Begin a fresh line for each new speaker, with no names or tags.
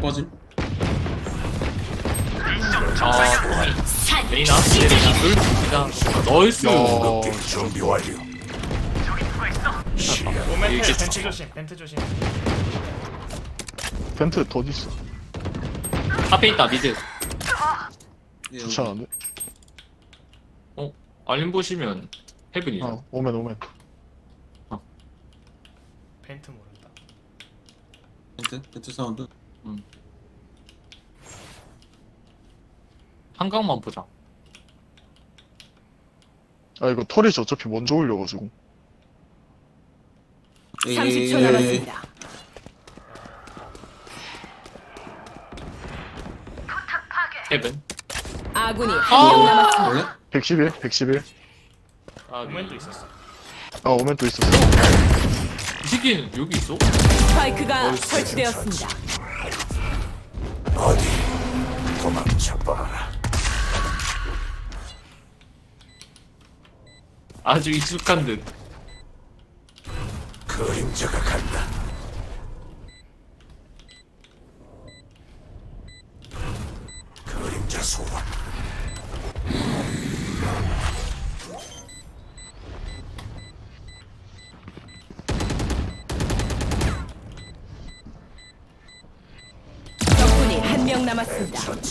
꺼짐.
레이나 넣을 수
준비 완료.
오멘
이게
벤트 조심 벤트 조심.
벤트 더 어딨어?
앞에 있다 미드.
예,
좋지 않은데?
알림 보시면 헤븐이죠.
오멘.
벤트 모른다.
벤트 사운드.
한강만 보자.
아, 이거 털이 어차피 먼저 올려가지고.
30초 남았습니다.
헤븐.
아군이 한 명 남았습니다.
원래?
111.
오멘도 있었어.
아, 오멘 또 있었어.
이 새끼는 여기 있어?
스파이크가 설치되었습니다.
어디 도망쳐봐라.
아주 익숙한 듯.
그림자가 간다. 그림자 소환.
적군이 한 명 남았습니다.